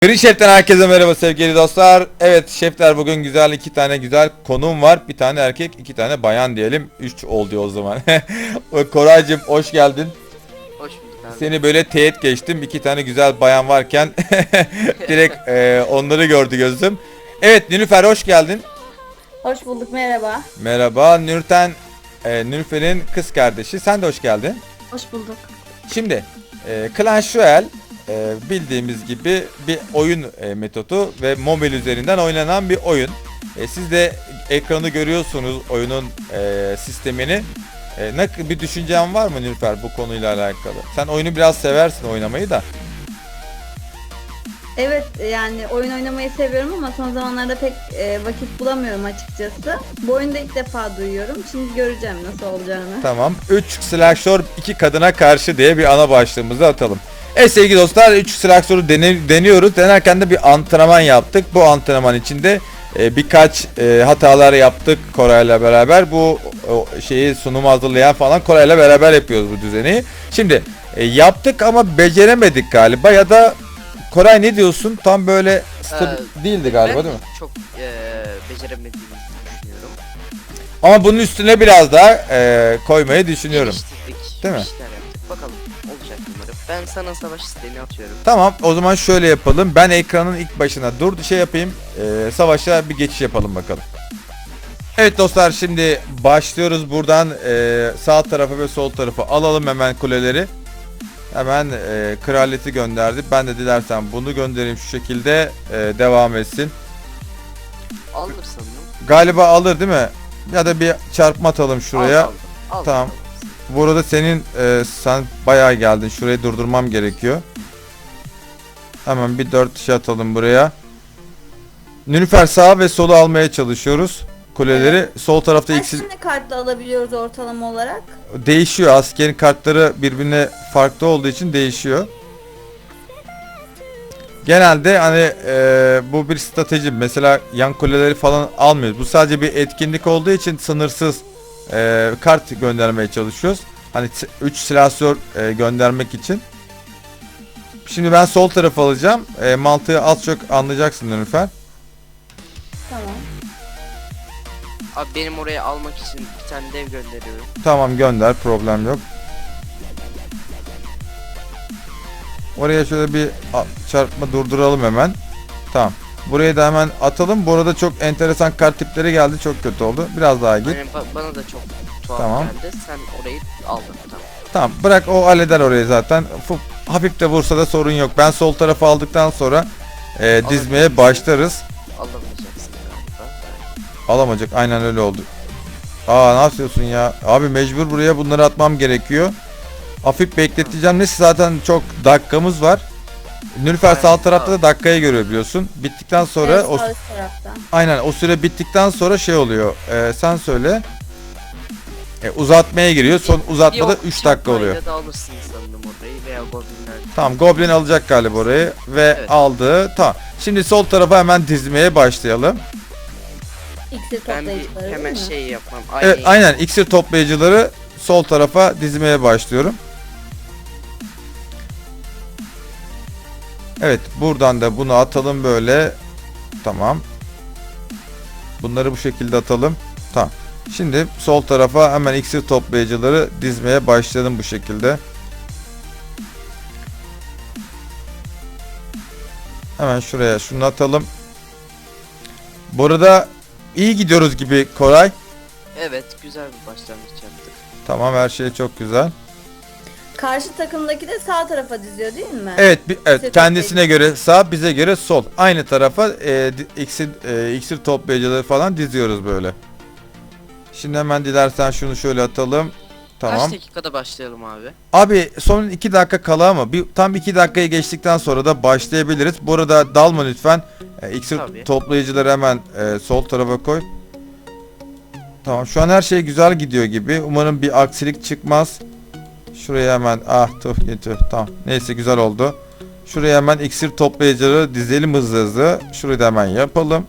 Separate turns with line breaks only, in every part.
Green Chef'ten herkese merhaba sevgili dostlar. Evet şefler, bugün güzel iki tane güzel konuğum var. Bir tane erkek, iki tane bayan diyelim. 3 oldu o zaman. Koraycığım hoş geldin.
Hoş bulduk abi.
Seni böyle teğet geçtim. İki tane güzel bayan varken direkt onları gördü gözüm. Evet Nilüfer hoş geldin.
Hoş bulduk, merhaba.
Merhaba Nurten, Nilüfer'in kız kardeşi. Sen de hoş geldin.
Hoş bulduk.
Şimdi Clash Royale bildiğimiz gibi bir oyun metodu ve mobil üzerinden oynanan bir oyun. Siz de ekranı görüyorsunuz, oyunun sistemini. Bir düşüncen var mı Nilüfer bu konuyla alakalı? Sen oyunu biraz seversin, oynamayı da.
Evet, yani oyun oynamayı seviyorum ama son zamanlarda pek vakit bulamıyorum açıkçası. Bu oyunu da ilk defa duyuyorum. Şimdi göreceğim nasıl olacağını.
Tamam. 3 slasher 2 kadına karşı diye bir ana başlığımızı atalım. Evet sevgili dostlar, 3 slasher'ı deniyoruz. Denerken de bir antrenman yaptık. Bu antrenman içinde birkaç hatalar yaptık Koray'la beraber. Bu şeyi sunumu hazırlayan falan Koray'la beraber yapıyoruz bu düzeni. Şimdi yaptık ama beceremedik galiba, ya da Koray ne diyorsun? Tam böyle değildi galiba,
Ben
değil mi?
çok beceremediğimizi düşünüyorum.
Ama bunun üstüne biraz daha koymayı düşünüyorum.
Geliştirdik,
Değil mi?
bir şeyler yaptık. Bakalım olacak umarım. Ben sana savaş isteğini atıyorum.
Tamam, o zaman şöyle yapalım. Ben ekranın ilk başına yapayım. Savaşa bir geçiş yapalım bakalım. Evet dostlar, şimdi başlıyoruz. Buradan sağ tarafa ve sol tarafa alalım hemen kuleleri. Hemen kraliyeti gönderdi. Ben de dilersen bunu göndereyim şu şekilde, devam etsin.
Alır sanırım.
Galiba alır değil mi? Ya da bir çarpma atalım şuraya.
Al.
Tamam. Burada senin sen bayağı geldin. Şurayı durdurmam gerekiyor. Hemen bir 4 şey atalım buraya. Nilüfer sağ ve solu almaya çalışıyoruz. Kuleleri.
Evet.
Sol tarafta
Kaç tane kartla alabiliyoruz ortalama olarak?
değişiyor. Askerin kartları birbirine farklı olduğu için değişiyor. Genelde hani bu bir strateji. Mesela yan kuleleri falan almıyoruz. Bu sadece bir etkinlik olduğu için sınırsız kart göndermeye çalışıyoruz. Hani 3 silahsör göndermek için. Şimdi ben sol tarafı alacağım. Mantığı az çok anlayacaksın Nilüfer.
Tamam.
Abi benim oraya almak için bir tane dev gönderiyorum.
Tamam gönder, problem yok. Oraya şöyle bir çarpma durduralım hemen. Tamam. Buraya da hemen atalım. Bu arada çok enteresan kart tipleri geldi. Çok kötü oldu. Biraz daha git.
Aynen, bana da çok tuhaf
Tamam.
geldi. Sen orayı aldın. Tamam.
Tamam, bırak, o halleder orayı zaten. Hafif de vursa da sorun yok. Ben sol tarafı aldıktan sonra dizmeye başlarız.
Alamayacaksın galiba.
Alamayacak, aynen öyle oldu. Ne yapıyorsun ya? Abi mecbur buraya bunları atmam gerekiyor. Hafif bekleteceğim. Neyse zaten çok dakikamız var. Nilüfer
Aynen,
sağ tarafta da
tamam.
dakikayı görüyor biliyorsun. Bittikten sonra
Evet,
o
sağ üst taraftan.
aynen o süre bittikten sonra şey oluyor. Sen söyle. Uzatmaya giriyor. Son uzatmada
Yok,
3 dakika oluyor.
çarpmayla da alırsın sanırım orayı veya goblinler.
Tamam, Goblin alacak galiba orayı ve
Evet.
aldı. Tamam. Şimdi sol tarafa hemen dizmeye başlayalım.
İksir
Ben bir
toplayıcıları
hemen
değil mi?
şey yapmam.
Evet aynen, iksir toplayıcıları sol tarafa dizmeye başlıyorum. Evet, buradan da bunu atalım böyle. Tamam. Bunları bu şekilde atalım. Tamam. Şimdi sol tarafa hemen iksir toplayıcıları dizmeye başlayalım bu şekilde. Hemen şuraya şunu atalım. Bu arada iyi gidiyoruz gibi Koray.
Evet, güzel bir başlangıç yaptık.
Tamam, her şey çok güzel.
Karşı takımdaki de sağ tarafa diziyor değil mi?
Evet, evet,
İksir
kendisine göre sağ, bize göre sol. Aynı tarafa iksir toplayıcıları falan diziyoruz böyle. Şimdi hemen dilersen şunu şöyle atalım. Tamam.
Kaç dakikada başlayalım abi?
Abi son 2 dakika kala ama tam 2 dakikayı geçtikten sonra da başlayabiliriz. Bu arada dalma lütfen. İksir
Tabii.
toplayıcıları hemen sol tarafa koy. Tamam, şu an her şey güzel gidiyor gibi. Umarım bir aksilik çıkmaz. Şuraya hemen tamam. Neyse, güzel oldu. Şuraya hemen iksir toplayıcıları dizelim hızlı hızlı. Şurayı da hemen yapalım.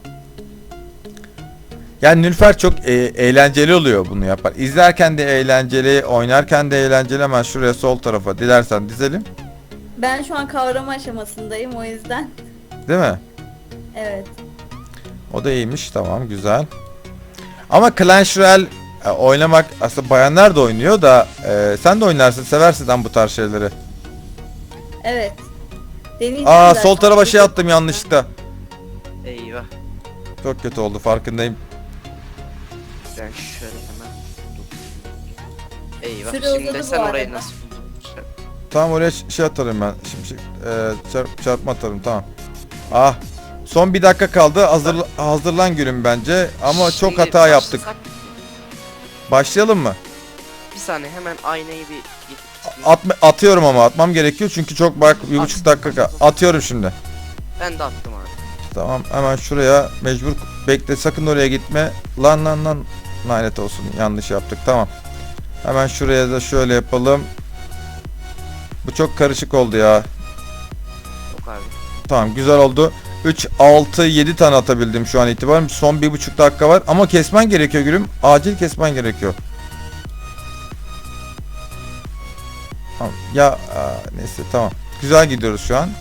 Yani Nilüfer çok eğlenceli oluyor bunu yapar. İzlerken de eğlenceli, oynarken de eğlenceli. Hemen şuraya sol tarafa dilersen dizelim.
Ben şu an kavrama aşamasındayım o yüzden.
Değil mi?
Evet.
O da iyiymiş. Tamam, güzel. Ama Clash Royale oynamak aslında bayanlar da oynuyor da sen de oynarsın, seversin lan bu tarz şeyleri.
Evet. Deneyeceğim
Aa,
zaten.
sol tarafa şey attım yanlışlıkla.
Eyvah.
Çok kötü oldu, farkındayım.
Ben şöyle hemen. Eyvah.
Süre
Şimdi
uzadı
sen
bu
orayı
arada.
nasıl buldun?
Tamam, oraya şey atarım ben. Şimdi çarpma atarım, tamam. Ah. Son bir dakika kaldı. Hazırlan gülüm bence. Ama çok
Şimdi
hata yaptık.
başlasak-
Başlayalım mı?
Bir saniye hemen aynayı bir gidip
Atıyorum ama atmam gerekiyor çünkü çok bak 1,5 dakika atıyorum şimdi.
ben de attım abi.
Tamam, hemen şuraya mecbur bekle, sakın oraya gitme. Lan lanet olsun, yanlış yaptık. Tamam. Hemen şuraya da şöyle yapalım. Bu çok karışık oldu ya.
Yok abi.
Tamam, güzel oldu. 3, 6, 7 tane atabildim şu an itibaren. Son 1,5 dakika var ama kesmen gerekiyor gülüm. Acil kesmen gerekiyor. Tamam. Ya neyse, tamam. Güzel gidiyoruz şu an.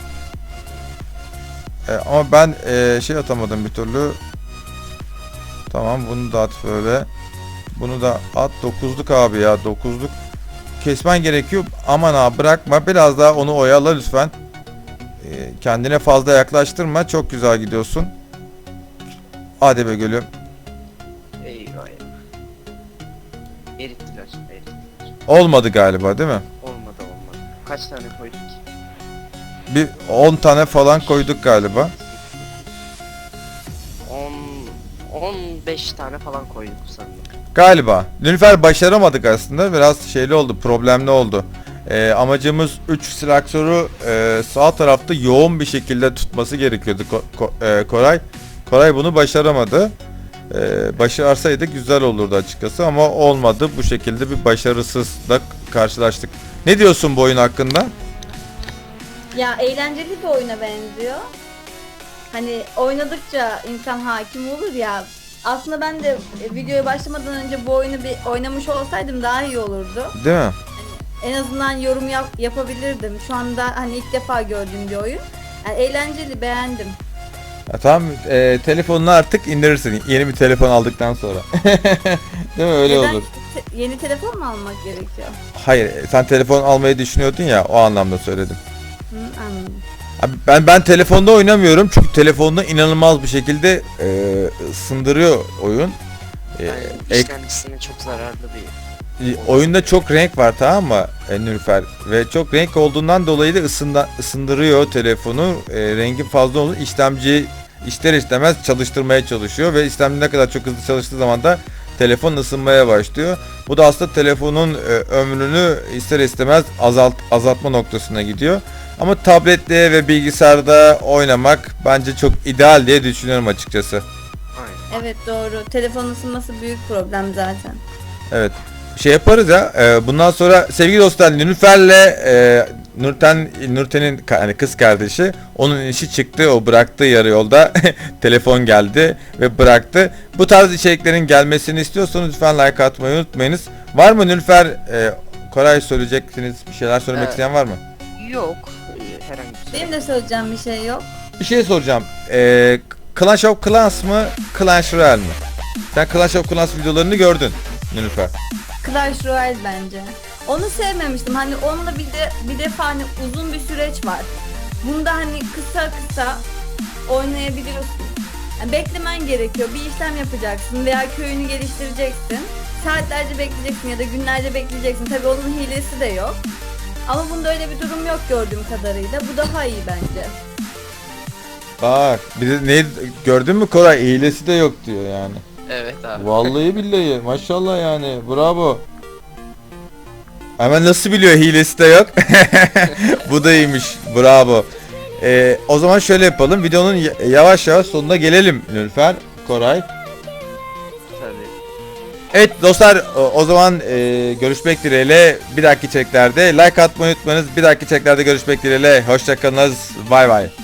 Ama ben şey atamadım bir türlü. Tamam, bunu da at böyle. Bunu da at. 9'luk abi ya, 9'luk. Kesmen gerekiyor. Aman abi, bırakma. Biraz daha onu oyala lütfen. Kendine fazla yaklaştırma. Çok güzel gidiyorsun. Hadi be gülüm.
Eyvah eyvah. Erittiler.
Olmadı galiba, değil mi?
Olmadı. Kaç tane koyduk ki?
Bir 10 tane falan koyduk galiba.
15 tane falan koyduk sanırım.
Galiba. Nilüfer başaramadık aslında. Biraz şeyli oldu, problemli oldu. Amacımız 3 silahsoru sağ tarafta yoğun bir şekilde tutması gerekiyordu Koray. Koray bunu başaramadı. Başarsaydı güzel olurdu açıkçası ama olmadı. Bu şekilde bir başarısızla karşılaştık. Ne diyorsun bu oyun hakkında?
Ya eğlenceli bir oyuna benziyor. Hani oynadıkça insan hakim olur ya. Aslında ben de videoya başlamadan önce bu oyunu bir oynamış olsaydım daha iyi olurdu.
Değil mi?
En azından yorum yapabilirdim. Şu anda hani ilk defa gördüğüm bir oyun. Yani eğlenceli, beğendim.
Ya tamam, telefonunu artık indirirsin. Yeni bir telefon aldıktan sonra. Değil mi? Öyle
Neden?
olur.
Yeni telefon mu almak gerekiyor?
Hayır, sen telefon almayı düşünüyordun ya, o anlamda söyledim.
Hı, anladım.
Abi ben telefonda oynamıyorum çünkü telefonda inanılmaz bir şekilde ısındırıyor oyun.
Yani işlemcisine çok zararlı bir.
Oyunda çok renk var, tamam mı Nilüfer? Ve çok renk olduğundan dolayı da ısındırıyor telefonu. Rengin fazla olur. İşlemci ister istemez çalıştırmaya çalışıyor ve işlemci ne kadar çok hızlı çalıştığı zaman da telefon ısınmaya başlıyor. Bu da aslında telefonun ömrünü ister istemez azaltma noktasına gidiyor. Ama tablette ve bilgisayarda oynamak bence çok ideal diye düşünüyorum açıkçası.
Aynen.
Evet, doğru. Telefon ısınması büyük problem zaten.
Evet. Şey yaparız ya. Bundan sonra sevgili dostlar, Nilüfer'le Nurten'in hani kız kardeşi, onun işi çıktı. O bıraktı yarı yolda. Telefon geldi ve bıraktı. Bu tarz içeriklerin gelmesini istiyorsanız lütfen like atmayı unutmayınız. Var mı Nilüfer? Koray, söyleyeceksiniz. Bir şeyler söylemek isteyen var mı?
Yok. Herhangi bir şey.
Benim de söyleyeceğim bir şey yok.
Bir şey soracağım. Clash of Clans mı? Clash Royale mi? Sen Clash of Clans videolarını gördün Nilüfer.
Clash Royale bence. Onu sevmemiştim. Hani onunla bir defa hani uzun bir süreç var. Bunda hani kısa oynayabiliyorsun. Yani beklemen gerekiyor. Bir işlem yapacaksın veya köyünü geliştireceksin. Saatlerce bekleyeceksin ya da günlerce bekleyeceksin. Tabii onun hilesi de yok. Ama bunda öyle bir durum yok gördüğüm kadarıyla. Bu daha iyi bence.
Bak, bir de ne gördün mü Koray? Hilesi de yok diyor yani.
Evet abi.
Vallahi billahi, maşallah yani, bravo. Hemen nasıl biliyor hilesi de yok? Bu da iyiymiş, bravo. O zaman şöyle yapalım, videonun yavaş yavaş sonuna gelelim Nilüfer, Koray.
Tabii.
Evet dostlar, o zaman görüşmek dileğiyle bir dahaki içeriklerde like atmayı unutmayınız. Bir dahaki içeriklerde görüşmek dileğiyle, hoşçakalınız, bay bay.